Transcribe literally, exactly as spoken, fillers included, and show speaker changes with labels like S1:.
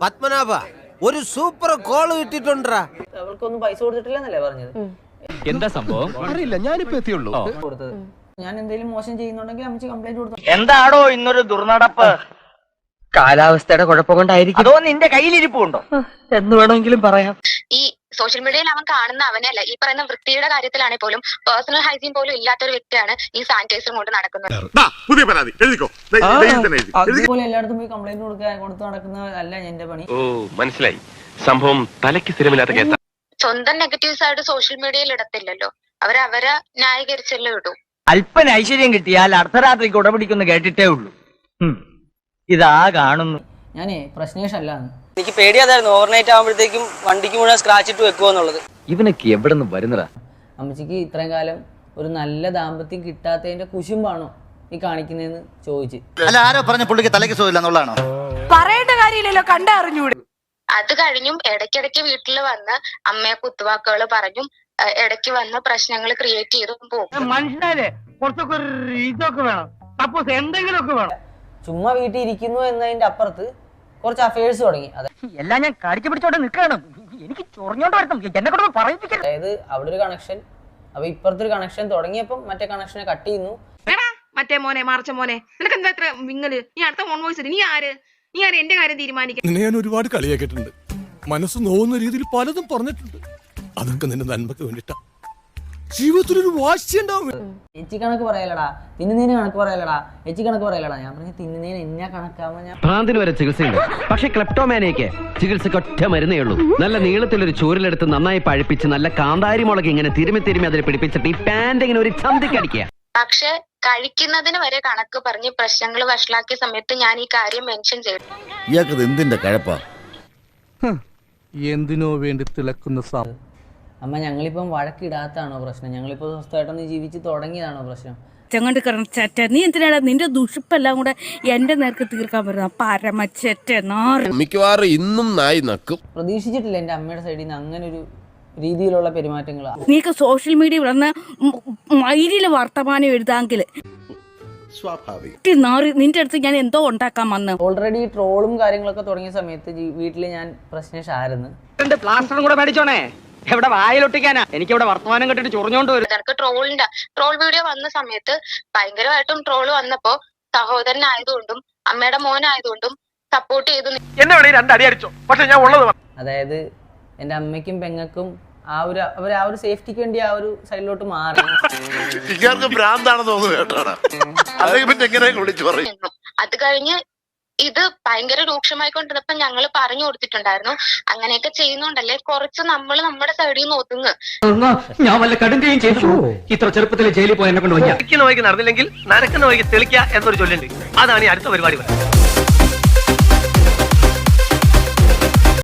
S1: പത്മനാഭ ഒരു super call കിട്ടിട്ടുണ്ടാ.
S2: അവൾക്കൊന്നും പൈസ കൊടുത്തിട്ടില്ലെന്നല്ലേ പറഞ്ഞത്?
S3: എന്താ സംഭവം അറിയില്ല, ഞാനിപ്പോ എത്തിയുള്ളൂ.
S2: കൊടുത്തത് ഞാൻ എന്തെങ്കിലും മോശം ചെയ്യുന്നുണ്ടെങ്കിൽ അമ്മച്ചി കംപ്ലൈന്റ് കൊടുത്തു.
S4: എന്താടോ ഇന്നൊരു ദുർനടപ്പ്? കാലാവസ്ഥയുടെ കുഴപ്പം കൊണ്ടായിരിക്കും. അതോ നിന്റെ കയ്യിലിരിപ്പുണ്ടോ എന്ന് വേണമെങ്കിലും പറയാം.
S5: ഈ സോഷ്യൽ മീഡിയയിൽ അവൻ കാണുന്ന അവനല്ല, ഈ പറയുന്ന വൃത്തിയുടെ കാര്യത്തിലാണെങ്കിൽ പോലും പേഴ്സണൽ ഹൈജീൻ പോലും ഇല്ലാത്തൊരു വ്യക്തിയാണ് ഈ സാനിറ്റൈസർ കൊണ്ട് നടക്കുന്നത്.
S2: അതുപോലെ എല്ലായിടത്തും പോയി കംപ്ലൈന്റ് കൊടുക്കാൻ കൊടുത്ത് നടക്കുന്ന അല്ല എന്റെ പണി.
S6: ഓ മനസ്സിലായി, സംഭവം തലയ്ക്ക് സ്ഥിരമില്ലാത്ത കേസാ.
S5: സ്വന്തം നെഗറ്റീവ്സ് ആയിട്ട് സോഷ്യൽ മീഡിയയിൽ ഇടത്തില്ലല്ലോ, അവരവരെ ന്യായീകരിച്ചല്ലേ ഇടൂ.
S4: അല്പന ഐശ്വര്യം കിട്ടിയാൽ അർദ്ധരാത്രിക്ക് ഉടപിടിക്കുന്നു കേട്ടിട്ടേ ഉള്ളൂ. ഇതാ കാണുന്നു.
S2: ഞാനേ പ്രശ്നേഷ് അല്ലാന്ന്.
S7: എനിക്ക് പേടിയാതായിരുന്നു ഓവർനൈറ്റ് ആകുമ്പോഴത്തേക്കും വണ്ടിക്ക് മുഴുവൻ സ്ക്രാച്ച് ഇട്ട് വെക്കുമെന്നുള്ളത്.
S3: ഇവനൊക്കെ എവിടെ നിന്ന് വരുന്നതാ?
S2: അമ്മച്ചിക്ക് ഇത്രയും കാലം ഒരു നല്ല ദാമ്പത്യം കിട്ടാത്തതിന്റെ കുശുമ്പാണോ ഈ കാണിക്കുന്നതെന്ന് ചോദിച്ചു.
S8: അല്ല, ആരോ പറഞ്ഞ പുള്ളിക്ക് തലയ്ക്ക് സുഖമില്ലെന്നുള്ളതാണോ?
S9: പറയേണ്ട കാര്യമില്ലല്ലോ, കണ്ടറിഞ്ഞൂടെ.
S5: അത് കഴിഞ്ഞും ഇടയ്ക്കിടയ്ക്ക് വീട്ടിൽ വന്ന് അമ്മയെ കുത്തുവാക്കുകൾ പറഞ്ഞും ഇടയ്ക്ക് വന്ന് പ്രശ്നങ്ങൾ ക്രിയേറ്റ് ചെയ്തും പോകും.
S4: മനുഷ്യരെ കുറച്ചൊക്കെ ഇതൊക്കെ വേണം, സപ്പോസ് എന്തെങ്കിലുമൊക്കെ വേണം.
S2: ചുമ്മാ വീട്ടിൽ ഇരിക്കുന്നു എന്നതിന്റെ അപ്പുറത്ത് കുറച്ച് അഫയേഴ്സ് തുടങ്ങി.
S4: എല്ലാം ഞാൻ കടിച്ചു പിടിച്ചോണ്ട് നിൽക്കണം. എനിക്ക് ചൊറിഞ്ഞോണ്ട് വരണം, എന്നെ കൊണ്ട് പറയിപ്പിക്കണം.
S2: അതായത് അവിടെ ഒരു കണക്ഷൻ, അപ്പൊ ഇപ്പുറത്തെ ഒരു കണക്ഷൻ തുടങ്ങിയപ്പം മറ്റേ കണക്ഷനെ കട്ട് ചെയ്യുന്നു.
S9: മറ്റേ മോനെ മാർച്ച മോനെ, നിനക്ക് എന്താ ഇത്ര വിങ്ങല്? നീ അടുത്ത ഫോൺ വോയിസ് നീ ആര്? നീ ആര് എന്റെ കാര്യം തീരുമാനിക്കാൻ?
S10: നിന്നെ ഞാൻ ഒരുപാട് കളിയാക്കിയിട്ടുണ്ട്, മനസ്സ് നോവുന്ന രീതിയിൽ പലതും പറഞ്ഞിട്ടുണ്ട്. അതൊക്കെ നിന്റെ നന്മക്ക് വേണ്ടിട്ടാ. ജീവിതത്തിലൊരു വാശി ഉണ്ടാവും.
S2: എച്ചി കണക്ക് പറയലടാ, തിന്നുന്നതിന് കണക്ക് പറയലടാ, എച്ചി കണക്ക് പറയലടാ. ഞാൻ പറഞ്ഞു തിന്നുന്നതിന് എന്നാ കണക്കാവുമ്പോ ഞാൻ
S3: ഭ്രാന്തിന് വരെ ചികിത്സയുണ്ട്. പക്ഷെ ക്ലെപ്റ്റോമാനിയക്ക് ചികിത്സക്ക് ഒറ്റ മരുന്നേ ഉള്ളൂ. നല്ല നീളത്തിലൊരു ചൂരിലെടുത്ത് നന്നായി പഴിപ്പിച്ച് നല്ല കാന്താരി മുളക് ഇങ്ങനെ തിരുമി തിരുമി അതിൽ പിടിപ്പിച്ചിട്ട് ഈ പാന്റ് ഇങ്ങനെ ഒരു ചന്തിക്കടിക്കുക.
S5: പക്ഷെ കഴിക്കുന്നതിന് വരെ കണക്ക് പറഞ്ഞ് പ്രശ്നങ്ങൾ വഷളാക്കിയ സമയത്ത് ഞാൻ ഈ കാര്യം മെൻഷൻ ചെയ്തു.
S8: ഇയാൾക്കത് എന്തിന്റെ കഴപ്പാ?
S10: എന്തിനോ വേണ്ടി തിളക്കുന്ന സാ
S2: അമ്മ ഞങ്ങളിപ്പം വഴക്കിടാത്താണോ പ്രശ്നം? ഞങ്ങളിപ്പോ സ്വസ്ഥമായിട്ടൊന്ന് ജീവിച്ച് തുടങ്ങിയതാണോ പ്രശ്നം?
S9: ചെങ്ങണ്ട് കറച്ചറ്റ, നീ എന്തിനാണ് നിന്റെ ദുഷിപ്പെല്ലാം കൂടെ എന്റെ നേർക്ക് തീർക്കാൻ പറ്റുന്ന പരമച്ചറ്റ നാറ്.
S10: മിക്കവാറും ഇന്നും നായി നക്കും.
S2: പ്രതീക്ഷിച്ചിട്ടില്ല എന്റെ അമ്മയുടെ സൈഡിൽ നിന്ന് അങ്ങനെ ഒരു രീതിയിലുള്ള പെരുമാറ്റങ്ങളാ.
S9: നീക്ക് സോഷ്യൽ മീഡിയ വന്ന് മൈരിയില് വർത്തമാനം എഴുതാമെങ്കിൽ നിന്റെ അടുത്ത് ഞാൻ എന്തോ ഉണ്ടാക്കാൻ വന്ന്.
S2: ഓൾറെഡി ട്രോളും കാര്യങ്ങളൊക്കെ തുടങ്ങിയ സമയത്ത് വീട്ടില് ഞാൻ പ്രശ്നേഷായിരുന്നു.
S4: പ്ലാസ്റ്ററും കൂടെ മേടിച്ചോണേ, എവിടെ വായിലൊട്ടിക്കാനാ? എനിക്ക് ഇവിടെ വർത്തമാനം കെട്ടിട്ട് ചൊറിഞ്ഞോണ്ട് വരും.
S5: എനിക്ക് ട്രോളിന്റെ ട്രോൾ വീഡിയോ വന്ന സമയത്ത് ഭയങ്കരമായിട്ടും ട്രോള് വന്നപ്പോ സഹോദരനായതുകൊണ്ടും അമ്മയുടെ മോനായതുകൊണ്ടും സപ്പോർട്ട് ചെയ്തു.
S4: എന്നെ വേണേ രണ്ടടി അടിച്ചോ, പക്ഷെ ഞാൻ ഉള്ളത്.
S2: അതായത് എന്റെ അമ്മയ്ക്കും പെങ്ങൾക്കും ആ ഒരു അവർ ആ ഒരു സേഫ്റ്റിക്ക് വേണ്ടി ആ ഒരു സൈഡിലോട്ട് മാറി.
S5: അത് കഴിഞ്ഞ് ഇത് ഭയങ്കര രൂക്ഷമായിക്കൊണ്ടിരുന്നപ്പോ ഞങ്ങൾ പറഞ്ഞു കൊടുത്തിട്ടുണ്ടായിരുന്നു, അങ്ങനെയൊക്കെ ചെയ്യുന്നുണ്ടല്ലേ കുറച്ച് നമ്മൾ നമ്മുടെ സൈഡിൽ നിന്ന് ഒതുങ്ങ്.
S4: ഞാൻ വല്ല കടുങ്കയും ചെയ്തു. ഇത്ര ചെറുപ്പത്തിൽ ജയിലിൽ പോയി എന്നെ കൊണ്ട് വയ്ക്കുക. നടന്നില്ലെങ്കിൽ നരക്കുന്ന വഴിക്ക് തെളിക്കുക എന്നൊരു ചൊല്ലുണ്ട്. അതാണ് ഈ അടുത്ത പരിപാടി.